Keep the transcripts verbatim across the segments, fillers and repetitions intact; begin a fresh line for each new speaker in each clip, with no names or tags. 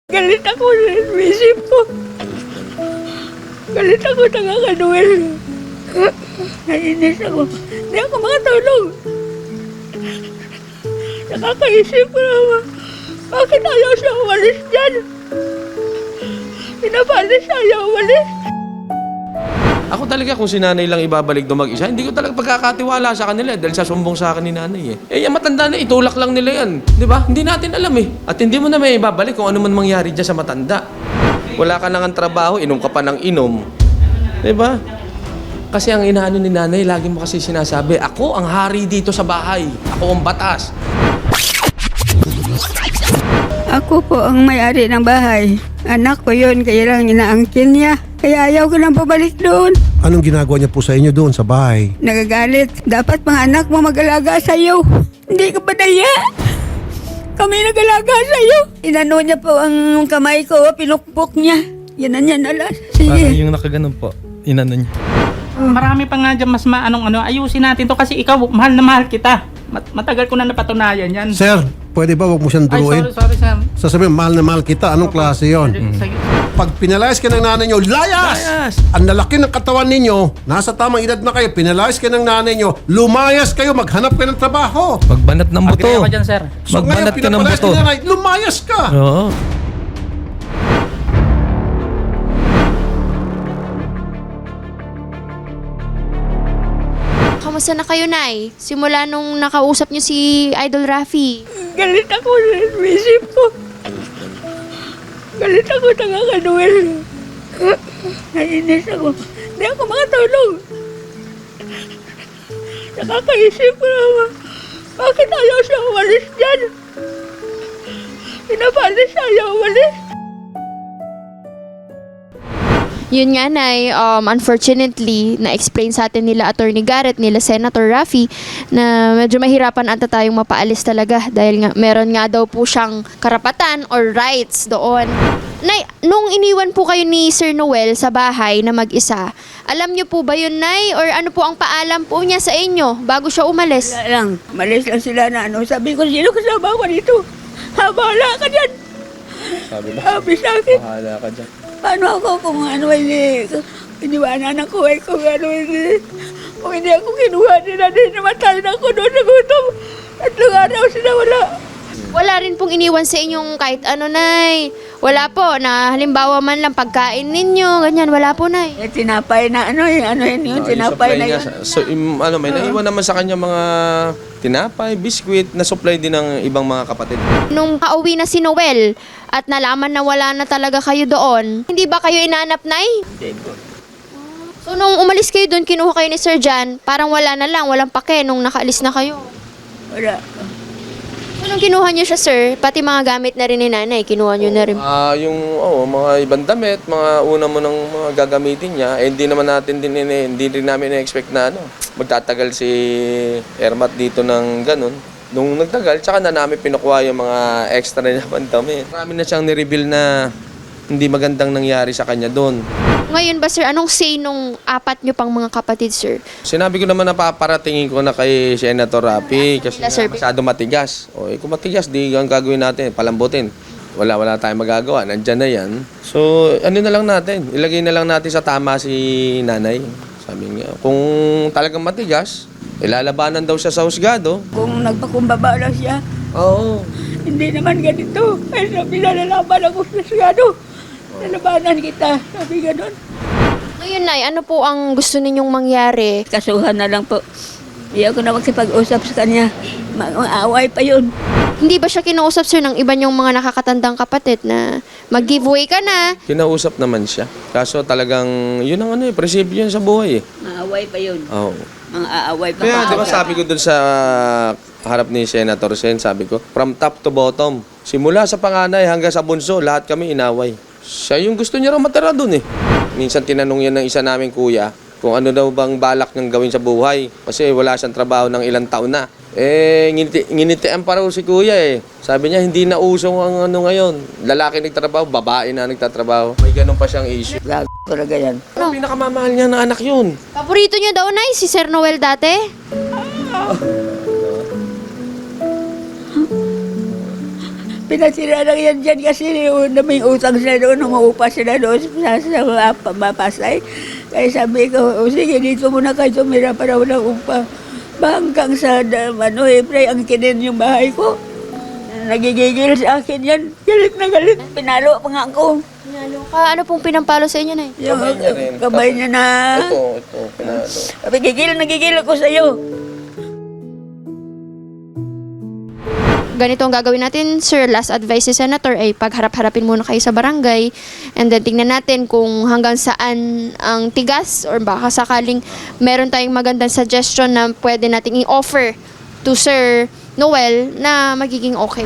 Galit ako sa isip ko. Galit ako sa kakaduel. Nainis ako. Hindi ako makatulog. Nakakaisip ko naman. Bakit ayaw siya umalis dyan? Pinapalis siya, ayaw umalis.
Ako talaga kung si nanay lang ibabalik doon mag-isa, hindi ko talaga pagkakatiwala sa kanila dahil sa sumbong sa akin ni nanay eh. Eh, yung matanda na, itulak lang nila yan. Di ba? Hindi natin alam eh. At hindi mo na may ibabalik kung ano man mangyari dyan sa matanda. Wala ka nang trabaho, inom ka pa ng inom. Di ba? Kasi ang inaano ni nanay, lagi mo kasi sinasabi, ako ang hari dito sa bahay. Ako ang batas.
Ako po ang may-ari ng bahay. Anak ko yun, kaya lang inaangkin niya. Kaya ayaw ko nang pabalik doon.
Anong ginagawa niya po sa inyo doon sa bahay?
Nagagalit. Dapat mga anak mo mag-alaga sa'yo. Hindi ka ba daya? Kami nag-alaga sa'yo. Inano niya po ang kamay ko, pinukpok niya. Yan na niya nalas.
Parang
Sige.
yung nakaganon po, inano niya.
Marami pa nga dyan mas maanong ano, ayusin natin to kasi ikaw, mahal na mahal kita. Mat- matagal ko na napatunayan yan.
Sir, pwede ba wag mo siyang
Ay,
duruin?
sorry, sorry, sir.
Sasabihin, mahal na mahal kita. Anong klase yon?
Sige.
Pag pinalayas ka ng nanay nyo, layas!
Layas!
Ang lalaki ng katawan ninyo, nasa tamang edad na kayo, pinalayas ka ng nanay nyo, lumayas kayo, maghanap kayo ng trabaho.
Magbanat ng buto.
Agree ako dyan, sir.
So
Magbanat
ngayon,
ka ng
pinapalayas
buto.
ka ng nanay, lumayas ka!
Oo.
Kamusta na kayo, Nay? Simula nung nakausap niyo si Idol Raffy.
Galit ako sa isip ko. Galit ako sa kakaduel. Nainis ako. Hindi ako makatulog. Nakakaisip ko naman. Bakit ayaw siya umalis dyan? Pinapalis siya, ayaw umalis.
Yun nga, Nay, um, unfortunately, na-explain sa atin nila Attorney Garrett, nila Senator Raffy, na medyo mahirapan ata tayong mapaalis talaga dahil nga meron nga daw po siyang karapatan or rights doon. Nay, nung iniwan po kayo ni Sir Noel sa bahay na mag-isa, alam niyo po ba yun, Nay? Or ano po ang paalam po niya sa inyo bago siya umalis?
Wala lang. Malis lang sila na ano. Sabi ko, sino kasama ko dito? Ha, bahala ka dyan.
Sabi ba?
Sabi sa akin.
Bahala ka dyan.
Paano ako kung ano hindi, iniwanan ako ay kung ano hindi, kung hindi ako kinuha nila din, namatay na ako doon sa gutom. Tatlong araw sila wala.
Wala rin pong iniwan sa inyong kahit ano, Nay. Wala po, na halimbawa man lang pagkain ninyo, ganyan, wala po, Nay.
Eh, tinapay na ano, yung ano yun, yung
Ah,
tinapay na
supply
yun.
niya. So, im, ano, may naiwan naman sa kanya mga tinapay, biskwit, na supply din ng ibang mga kapatid.
Nung pauwi na si Noel at nalaman na wala na talaga kayo doon, hindi ba kayo inanap, Nay? So, nung umalis kayo doon, kinuha kayo ni Sir John, parang wala na lang, walang pake nung nakaalis na kayo.
Wala.
So, nung kinuha niyo siya, sir, pati mga gamit na rin ni nanay, kinuha niyo na rin.
Ah, yung oh, mga ibang damit, mga una mo ng mga gagamitin niya, eh, hindi naman natin din ini- hindi rin namin na-expect na ano, magtatagal si Ermat dito ng ganun. Nung nagtagal, tsaka na namin pinukuha yung mga extra na naman dami. Marami na siyang ni-reveal na hindi magandang nangyari sa kanya doon.
Ngayon ba, sir, anong say nung apat niyo pang mga kapatid, sir?
Sinabi ko naman na paparatingin ko na kay Senator Raffy kasi
Sir,
nga masyado matigas. O, eh, kung matigas, di ang gagawin natin, palambutin. Wala, wala tayong magagawa. Nandyan na yan. So, ano na lang natin? Ilagay na lang natin sa tama si nanay. Sabi nga, kung talagang matigas, ilalabanan daw siya sa husgado.
Kung nagpakumbaba lang siya,
Oo.
hindi naman ganito. Ay, sabi na lalaban ako sa sigado. Lalabanan kita, sabi ganon.
Ngayon, Nay, ano po ang gusto ninyong mangyari?
Kasuhan na lang po. Hindi ako na magsipag-usap sa kanya. Mag-aaway pa yun.
Hindi ba siya kinausap, sir, ng iba niyong mga nakakatandang kapatid na mag-giveaway ka na?
Kinausap naman siya. Kaso talagang, yun ang ano eh, prinsipyo yun sa buhay eh.
Maaway pa yun.
Oo.
Mga aaway pa.
Kaya di ba sabi ko dun sa harap ni Senator Sen, sabi ko, from top to bottom, simula sa panganay hanggang sa bunso, lahat kami inaway. Siya yung gusto niya raw matira dun eh. Minsan tinanong yan ng isa naming kuya, kung ano daw bang balak niyang gawin sa buhay. Kasi wala siyang trabaho ng ilang taon na. Eh, nginiti, nginitian pa raw si kuya eh. Sabi niya, hindi na usong ang ano ngayon. Lalaki nagtatrabaho, babae na nagtatrabaho. May ganun pa siyang issue.
Gago talaga yan.
Ano? Pinakamamahal niya na anak yun.
Paborito niyo daw, Nay, si Sir Noel dati?
Pinatira lang yan dyan kasi yung may utang sila doon, umuupa sila doon sa, sa mga pamapasay. Kaya sabi ko, o sige, dito muna kayo tumira para walang upa. Ba hanggang sa, da- ano, April, ang kinin yung bahay ko. Nagigigil sa akin yan. Galit na galit. Pinalo pa nga ako.
Pinalo ka. Ano pong pinampalo sa inyo, Nay?
Yung
Kamay niya rin.
kabay niya na,
Ito, ito, pinalo.
sabi, gigil, nagigil ako sa'yo.
Ganito ang gagawin natin, sir. Last advice ni Senator ay pagharap-harapin muna kayo sa barangay and then tingnan natin kung hanggang saan ang tigas or baka sakaling meron tayong magandang suggestion na pwede nating i-offer to Sir Noel na magiging okay.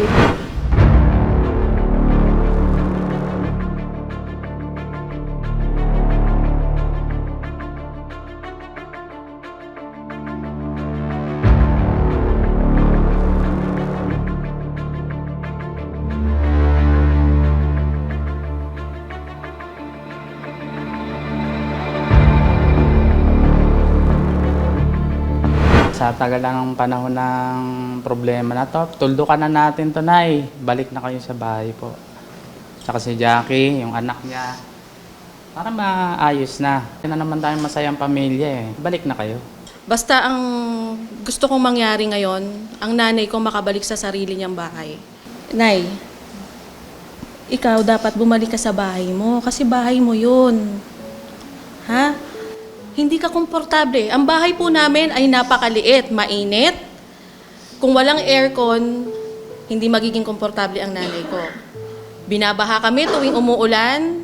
Sa tagal lang ng panahon ng problema na to, tuldukan na natin to, Nay. Balik na kayo sa bahay po. Tsaka si Jackie, yung anak niya. Para maayos na. Yan na naman tayong masayang pamilya eh. Balik na kayo.
Basta ang gusto kong mangyari ngayon, ang nanay ko makabalik sa sarili niyang bahay. Nay, ikaw dapat bumalik ka sa bahay mo kasi bahay mo yun. Ha? Hindi ka komportable. Ang bahay po namin ay napakaliit, mainit. Kung walang aircon, hindi magiging komportable ang nanay ko. Binabaha kami tuwing umuulan,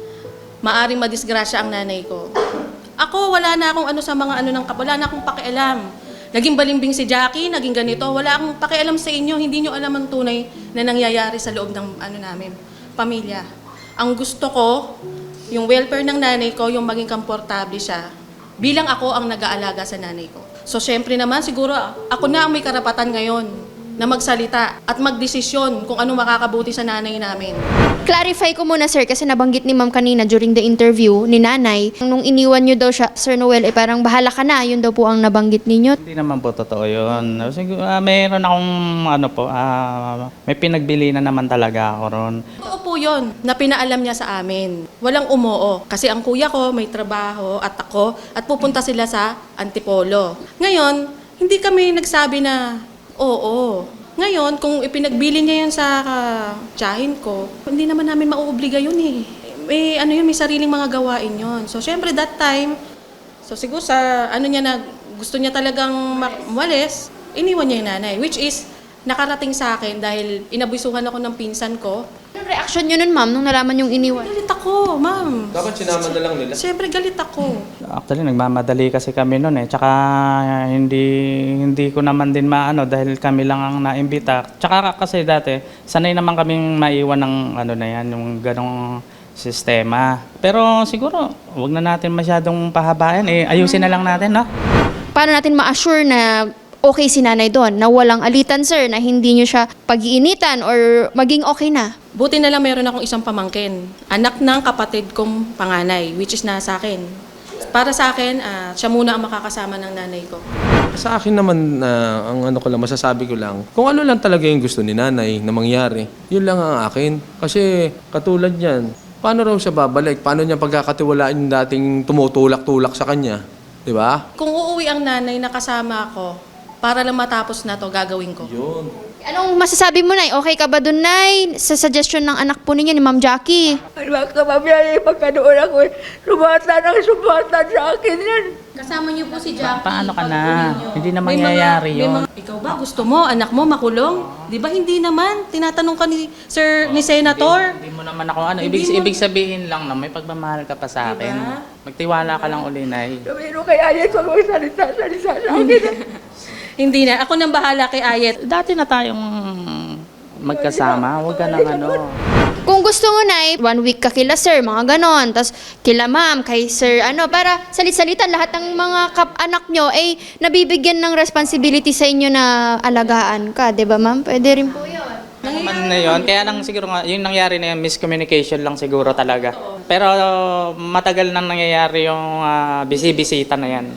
maaring madisgrasya ang nanay ko. Ako, wala na akong ano sa mga ano ng kap, wala na akong pakialam. Naging balimbing si Jackie, naging ganito, wala akong pakialam sa inyo, hindi nyo alam ang tunay na nangyayari sa loob ng ano namin, pamilya. Ang gusto ko, yung welfare ng nanay ko, yung maging komportable siya, bilang ako ang nag-aalaga sa nanay ko. So, syempre naman, siguro ako na ang may karapatan ngayon na magsalita at magdesisyon kung ano makakabuti sa nanay namin.
Clarify ko muna, sir, kasi nabanggit ni ma'am kanina during the interview ni nanay, nung iniwan nyo daw siya, Sir Noel, eh parang bahala ka na, yun daw po ang nabanggit ninyo.
Hindi naman po totoo yun. Siguro, ah, mayroon akong ano po, ah, may pinagbili na naman talaga ako ron.
Totoo po yun, na pinaalam niya sa amin. Walang umoo. Kasi ang kuya ko may trabaho at ako at pupunta sila sa Antipolo. Ngayon, hindi kami nagsabi na oo. Ngayon, kung ipinagbili niya yan sa uh, tiyahin ko, hindi naman namin mauobliga yun eh. May, ano yun, may sariling mga gawain yun. So, syempre that time, so siguro sa ano niya na gusto niya talagang mak- umalis, iniwan niya yung nanay. Which is, nakarating sa akin dahil inabusuhan ako ng pinsan ko.
Anong reaction nyo nun, ma'am, nung nalaman yung iniwan?
Galit ako, ma'am.
Dapat sinama na lang nila.
Siyempre, galit ako.
Actually, nagmamadali kasi kami noon eh. Tsaka hindi hindi ko naman din maano dahil kami lang ang naimbita. Tsaka kasi dati, sanay naman kaming maiwan ng ano na yan, yung ganong sistema. Pero siguro, wag na natin masyadong pahabayan eh. Ayusin na lang natin, no?
Paano natin ma-assure na okay si nanay doon, na walang alitan, sir, na hindi nyo siya pag-iinitan or maging okay na?
Buti na lang meron akong isang pamangkin. Anak ng kapatid kong panganay, which is nasa akin. Para sa akin, ah, siya muna ang makakasama ng nanay ko.
Sa akin naman, na ang ano ko lang, masasabi ko lang, kung ano lang talaga yung gusto ni nanay na mangyari, yun lang ang akin. Kasi katulad yan, paano raw siya babalik? Paano niya pagkakatiwalaan yung dating tumutulak-tulak sa kanya? Di ba?
Kung uuwi ang nanay na kasama ako, para lang matapos na to, gagawin ko.
Yun.
Anong masasabi mo, Nay? Okay ka ba doon, Nay? Sa suggestion ng anak po ninyo ni Ma'am Jackie?
Ano ka mabiyay, pagkanoon ako, sumata ng sumata sa akin yan.
Kasama niyo po si Jackie.
Paano ka na? Hindi na
May mga-
mangyayari
may
yun.
mga- ikaw ba, gusto mo, anak mo makulong? Di ba hindi naman? Tinatanong ka ni Sir, ni Senator.
Hindi mo naman ako ano.
Hindi
Ibig,
mo-
ibig sabihin lang na may pagmamahal ka pa sa akin.
Diba?
Magtiwala ka lang uli, Nay.
Sabi ko kay Ayet, huwag mo salita-salita sa akin.
Hindi na. Ako nang bahala kay Ayet.
Dati na tayong magkasama. Huwag ka nang ano.
Kung gusto mo, Nay, one week ka kila sir, mga ganon. Tapos kila ma'am, kay sir, ano, para salit-salitan lahat ng mga kap-anak nyo ay nabibigyan ng responsibility sa inyo na alagaan ka. Di ba, ma'am? Pwede rin po yun.
Man na yun. Kaya lang siguro nga, yung nangyari na yun, miscommunication lang siguro talaga. Pero matagal nang nangyayari yung ah, bisi-bisita na yan.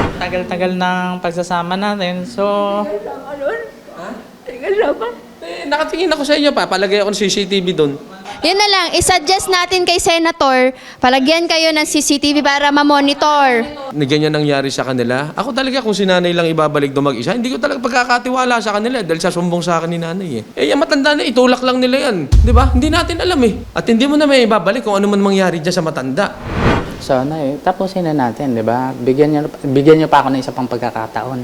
Tagal-tagal ng pagsasama natin. So,
Ano? Ha? Kasama?
nakatingin ako sa inyo pa. Palagay ako ng C C T V doon.
Yun na lang, isuggest natin kay Senator, palagyan kayo ng C C T V para ma-monitor.
Na ganyan nangyari sa kanila. Ako talaga kung si nanay lang ibabalik doon mag-isa, hindi ko talaga pagkakatiwala sa kanila dahil sa sumbong sa akin ni nanay eh. Eh, yung matanda na, itulak lang nila yan. Di ba? Hindi natin alam eh. At hindi mo na may ibabalik kung ano man mangyari dyan sa matanda.
So, ano eh, tapusin na natin, di ba? Bigyan niyo, bigyan niyo pa ako ng isa pang pagkakataon.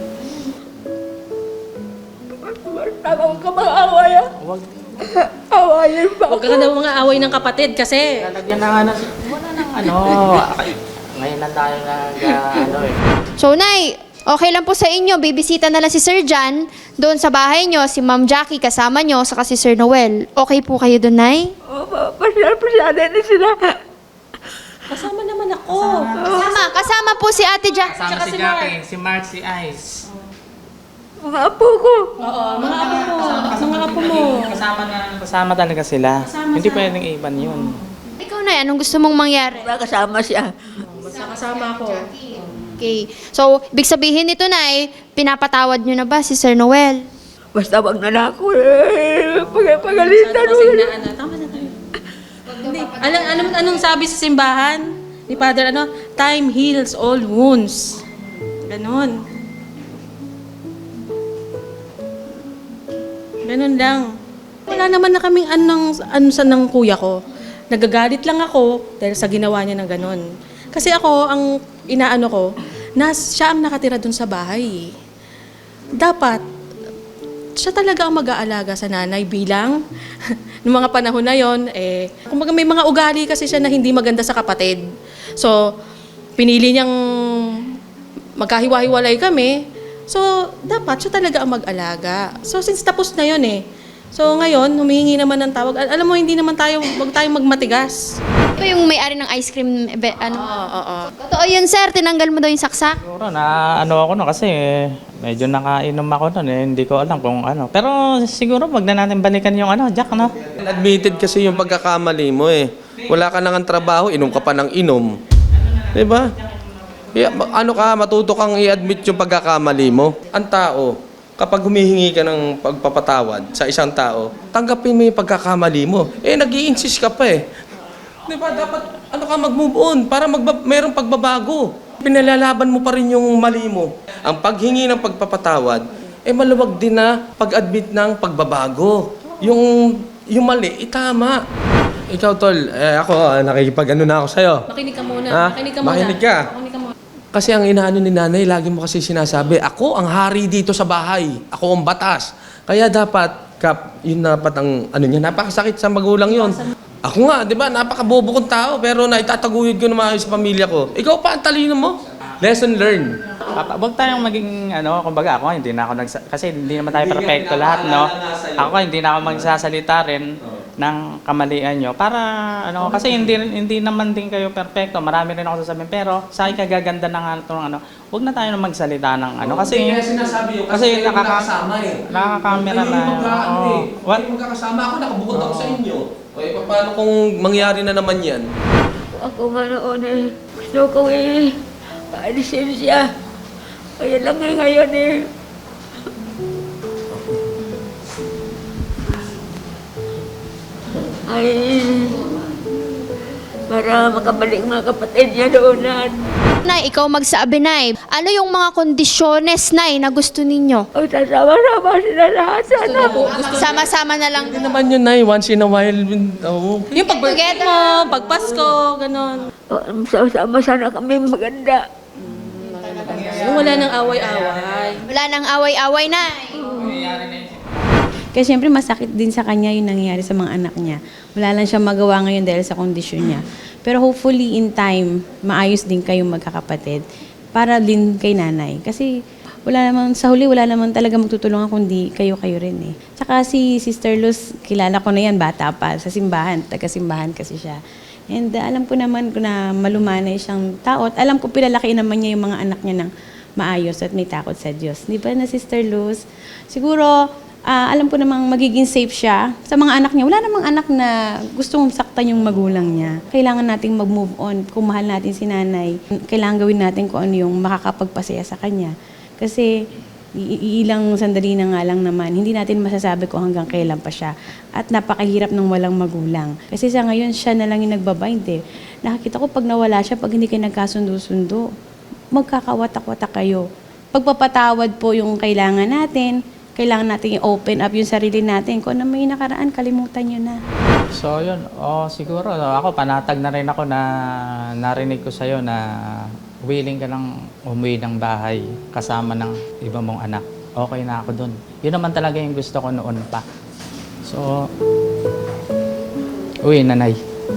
Tama ka mga away ah.
Huwag.
Awayan ba
Huwag ka na mga away ng kapatid kasi
Lalagyan na nga na, wala nang ano. Ngayon lang tayo nag, uh, ano eh.
So, Nay, okay lang po sa inyo, bibisita na lang si Sir John doon sa bahay nyo, si Ma'am Jackie kasama nyo, saka si Sir Noel. Okay po kayo doon, Nay?
O, pasyal-pasyal na sila.
kasama naman ako.
Kasama, kasama po si Ate Jackie.
Kasama si Jackie, si Mark, si Ice.
Mga apo ko.
Oo, mga apo mo. Mga apo mo.
Kasama na, kasama talaga sila. Hindi pwedeng iban yun.
Ikaw, Nay, anong gusto mong mangyari?
Kasama siya.
Basta kasama ako.
Okay. So, ibig sabihin nito, Nay, pinapatawad nyo na ba si Sir Noel?
Basta wag na na ako eh. Pag- Pagalitan
Sana
mo.
kasing na ano. Tama na tayo. Hindi. Anong, anong, anong sabi sa simbahan? Ni Father, ano? Time heals all wounds. Ganon. Ganon lang. Wala naman na kaming anong, ano sa ng kuya ko. Nagagalit lang ako dahil sa ginawa niya ng ganon. Kasi ako, ang inaano ko, nas, siya ang nakatira dun sa bahay. Dapat, siya talaga ang mag-aalaga sa nanay bilang noong mga panahon na yon eh kumbaga may mga ugali kasi siya na hindi maganda sa kapatid. So pinili niyang magkahiwa-hiwalay kami. So dapat siya talaga ang mag-alaga. So since tapos na yon eh. So ngayon humihingi naman ng tawag. Al- alam mo hindi naman tayo wag tayong magmatigas.
Ito yung may-ari ng ice cream, ebe- ano?
Oo, oo.
Totoo yun, Sir. Tinanggal mo daw yung saksak.
Siguro na ano ako no kasi eh, medyo nakainom ako nun eh. Hindi ko alam kung ano. Pero siguro wag na natin balikan yung ano, Jack, no?
Admitted kasi yung pagkakamali mo eh. Wala ka nang trabaho, inom ka pa ng inom. Di ba? Yeah, ano ka, matuto kang i-admit yung pagkakamali mo. Ang tao, kapag humihingi ka ng pagpapatawad sa isang tao, tanggapin mo yung pagkakamali mo. Eh, nag-i-insist ka pa eh. Di ba, dapat ano ka mag-move on para magba- mayroong pagbabago. Pinalalaban mo pa rin yung mali mo. Ang paghingi ng pagpapatawad, eh maluwag din na pag-admit ng pagbabago. Yung, yung mali, itama. Ikaw, Tol, eh, ako, ah, nakikipag-ano na ako sa'yo.
Makinig ka muna.
Ha?
Makinig ka muna.
Makinig ka.
Makinig ka muna.
Kasi ang inaano ni nanay, lagi mo kasi sinasabi, ako ang hari dito sa bahay. Ako ang batas. Kaya dapat, Kap, yun dapat ang ano niya, napakasakit sa magulang yun. Ako nga, di ba, napakabobo kong tao, pero naitataguyod ko na maayos sa pamilya ko. Ikaw pa, ang talino mo. Lesson learned.
Papa, wag tayong maging ano, kumbaga ako hindi na ako nagsa- kasi hindi naman tayo perfecto lahat, no. Ako hindi na ako magsasalita rin ng kamalian nyo para ano kasi hindi hindi naman din kayo perfecto. Marami rin ako sasabihin pero sa ikagaganda ng ano, ng ano, wag na tayo na magsalita ng ano kasi
Kaya sinasabi yun,
kasi
kayo
nakaka-
magkakasama eh.
nakaka-camera
Kayo
na.
yung magkakaano
Oo.
eh.
What?
Kayo magkakasama ako, nakabukod ako sa inyo. Okay, paano kung mangyari na naman yan?
Ako nga noon eh. Gusto ko eh. Paalisin siya. Kaya lang eh ngayon eh. Ay, para makabalik mga kapatid niya doonan.
Nay, ikaw magsabi, Nay. Ano yung mga kondisyones, Nay, na gusto ninyo?
O, sasama-sama sila lahat. Sana.
Sama-sama na lang.
Hindi naman yun, Nay. Once in a while, oh.
Yung pag-birthday
Together.
mo, pag-Pasko, ganon.
O, sama-sama sana kami maganda.
Yung wala nang away-away.
Wala nang away-away, Nay.
Kaya siyempre masakit din sa kanya yung nangyayari sa mga anak niya. Wala lang siya magawa ngayon dahil sa kondisyon niya. Pero hopefully in time, maayos din kayong magkakapatid para din kay nanay. Kasi wala naman, sa huli wala naman talaga magtutulungan kundi kayo-kayo rin eh. Tsaka si Sister Luz, kilala ko na yan, bata pa, sa simbahan, taga-simbahan kasi siya. And uh, alam ko naman na malumanay siyang tao at alam ko pinalaki naman niya yung mga anak niya ng maayos at may takot sa Diyos. Di ba na Sister Luz? Siguro, Ah, alam ko namang magiging safe siya sa mga anak niya. Wala namang anak na gustong saktan yung magulang niya. Kailangan nating mag-move on. Kung mahal natin si nanay, kailangan gawin natin kung ano yung makakapagpasaya sa kanya. Kasi I- ilang sandali na nga lang naman. Hindi natin masasabi kung hanggang kailan pa siya. At napakahirap ng walang magulang. Kasi sa ngayon, siya na lang yung nagbabind eh. Nakakita ko pag nawala siya, pag hindi kayo nagkasundo-sundo, magkakawatak-watak kayo. Pagpapatawad po yung kailangan natin, kailangan natin i-open up yung sarili natin. Kung ano may nakaraan, kalimutan nyo na.
So yun, oh, siguro ako panatag na rin ako na narinig ko sa'yo na willing ka lang umuwi ng bahay kasama ng iba mong anak. Okay na ako dun. Yun naman talaga yung gusto ko noon pa. So, uwi, nanay.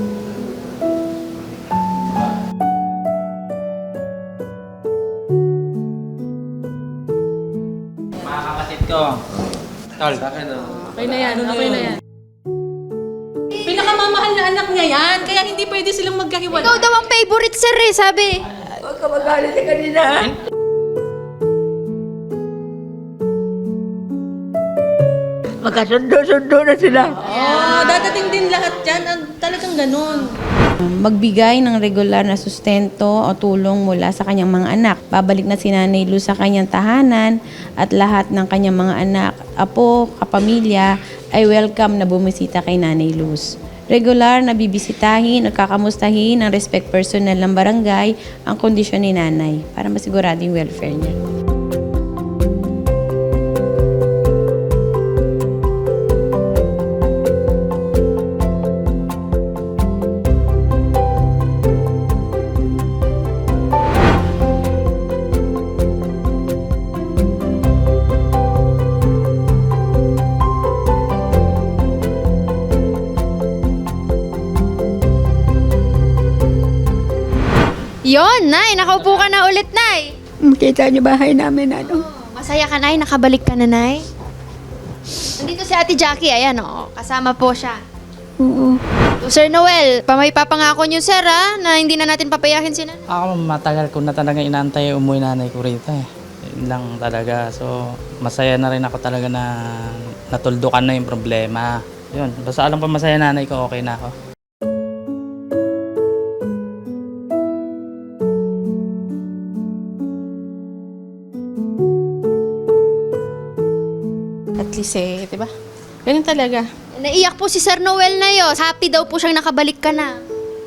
Mga kapatid ko, tol,
Okay na yan, okay na yan. Pinakamamahal na anak niya yan, kaya hindi pwede silang magkahiwalay.
Ikaw daw ang favorite sir eh, sabi.
Huwag ka magalit sa kanina. Magkasundo-sundo na sila.
Oh, dadating din lahat yan. Ang- Talagang ganun.
Magbigay ng regular na sustento o tulong mula sa kanyang mga anak. Babalik na si Nanay Luz sa kanyang tahanan at lahat ng kanyang mga anak, apo, kapamilya ay welcome na bumisita kay Nanay Luz. Regular na bibisitahin at kakamustahin ng respect personnel ng barangay ang kondisyon ni Nanay para masigurado yung welfare niya.
Yon, Nay, nakaupo ka na ulit, Nay.
Kita niyo bahay namin, ano?
Masaya ka, Nay, nakabalik ka na, Nay. Nandito si Ate Jackie, ayan, oh, kasama po siya.
Oo.
So, Sir Noel, pa may papangako niyo, sir, ha, na hindi na natin papayakin si Nanay.
Ako matagal ko na talaga inaantay umuwi nanay ko rito eh. Yun lang talaga. So, masaya na rin ako talaga na natuldukan na yung problema. Yun, basta alam ko masaya nanay ko, okay na ako.
At least eh, di ba? Ganun talaga.
Naiyak po si Sir Noel na yun. Happy daw po siyang nakabalik ka na.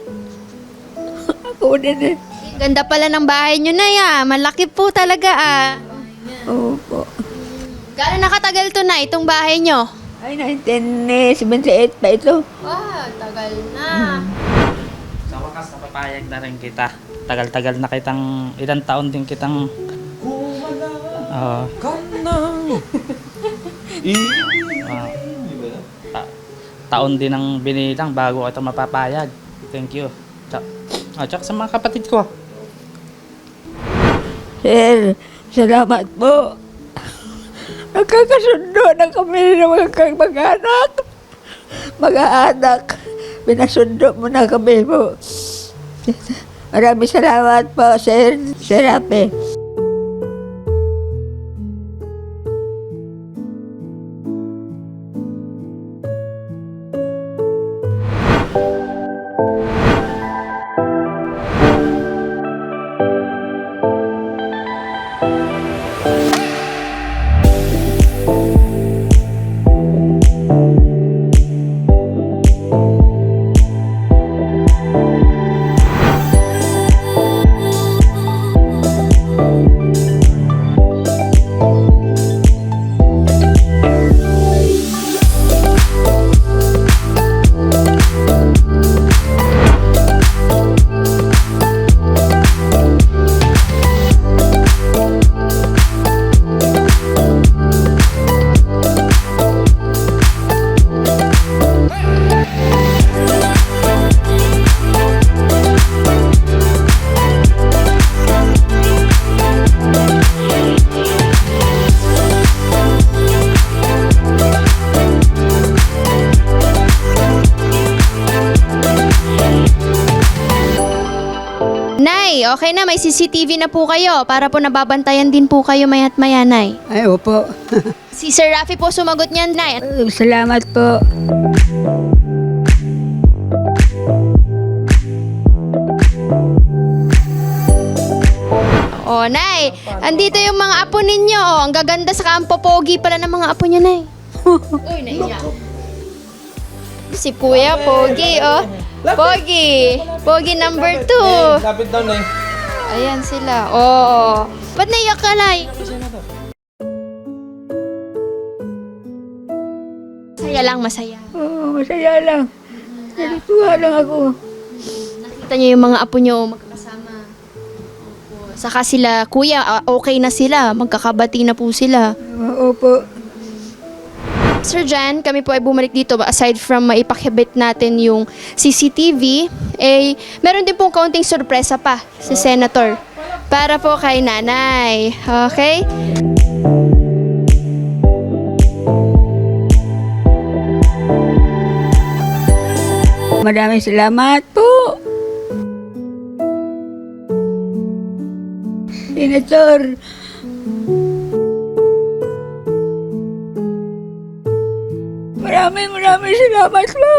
Ako din eh.
Ganda pala ng bahay niyo, Nay, ah. Malaki po talaga, ah.
Opo.
Gano'n nakatagal to na itong bahay niyo?
Ay, nineteen seventy-eight pa ito.
Wow, tagal na.
Sa wakas, napapayag na rin kita. Tagal-tagal na kitang, ilang taon din kitang... Oo. Ah, ta- taon din ang binilang bago ito mapapayag. Thank you. Tsaka, ah, tsaka sa mga kapatid ko.
Sir, salamat po. Nagkakasundo na kami ng mga kang mag-anak. Mag-anak. Pinasundo mo na kami po. Maraming salamat po, Sir. Sir Rape.
Nay, okay na, may C C T V na po kayo para po nababantayan din po kayo mayat maya, Nay.
Ay, opo.
Si Sir Rafi po sumagot niyan, Nay.
Uh, Salamat po.
O, Nay, Nay, andito yung mga apo ninyo. Oh, ang gaganda sa kampo, pogi pala ng mga apo niya, Nay. Uy, naiyak. Si Kuya, pogi, oh. Pogi. Pogi number two.
Lapit daw na eh.
Ayan sila. Oh. Ba't naiyak ka, Nay? Masaya lang, masaya.
Oo, masaya lang. Natutuwa lang ako.
Nakita niyo yung mga apo niyo magkakasama. Opo. Saka sila, kuya, ah, okay na sila. Magkakabati na po sila.
Opo.
Sir Jan, kami po ay bumalik dito. Aside from maipakibit natin yung C C T V, eh, meron din pong kaunting sorpresa pa si Senator. Para po kay nanay. Okay?
Maraming salamat po. Senator. Maraming maraming salamat po.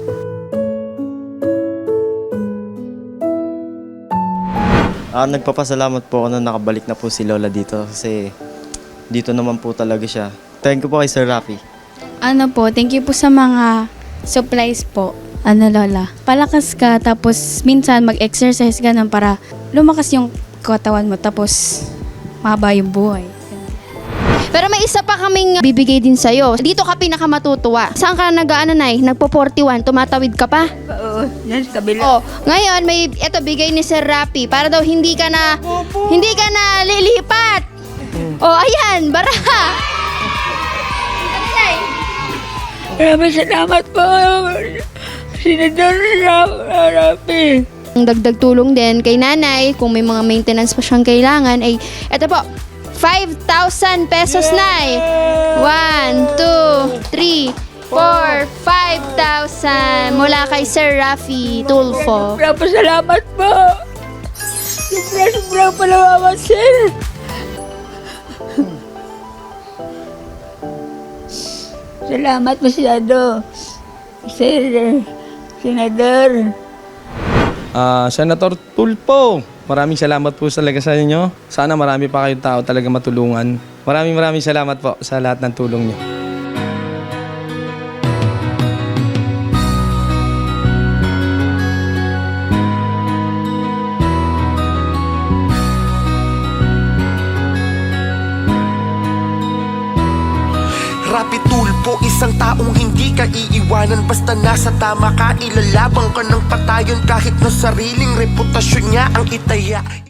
Ah, nagpapasalamat po ako na nakabalik na po si Lola dito kasi dito naman po talaga siya. Thank you po kay Sir Rafi.
Ano po, thank you po sa mga supplies po. Ano Lola, palakas ka tapos minsan mag-exercise ka nang para lumakas yung katawan mo tapos mahaba yung buhay.
Pero may isa pa kaming bibigay din sa'yo. Dito ka pinakamatutuwa. Saan ka nag-ano, Nay? Nagpo forty-one, tumatawid ka pa?
Oo, yan sa kabila.
Oh, ngayon may eto bigay ni Sir Rapi para daw hindi ka na hindi ka na lilipat. Oh, ayan, baraha. Ano, Nay?
Maraming salamat po. Senador Rafi.
Ang dagdag tulong din kay nanay, kung may mga maintenance pa siyang kailangan, ay eto po, five thousand pesos, Nay. one, two, three, four, five thousand mula kay Sir Rafi Tulfo.
Sobrang pasalamat po. Sobrang sobrang palawaman, sir. Salamat masyado, Sir Senador.
Ah, Senator Tulfo, maraming salamat po talaga sa inyo. Sana marami pa kayong tao talaga matulungan. Maraming maraming salamat po sa lahat ng tulong niyo.
Rapi Tulfo, isang taong hindi ka iiwanan. Basta nasa tama ka, ilalabang ka ng patayon kahit na sariling reputasyon niya ang itaya.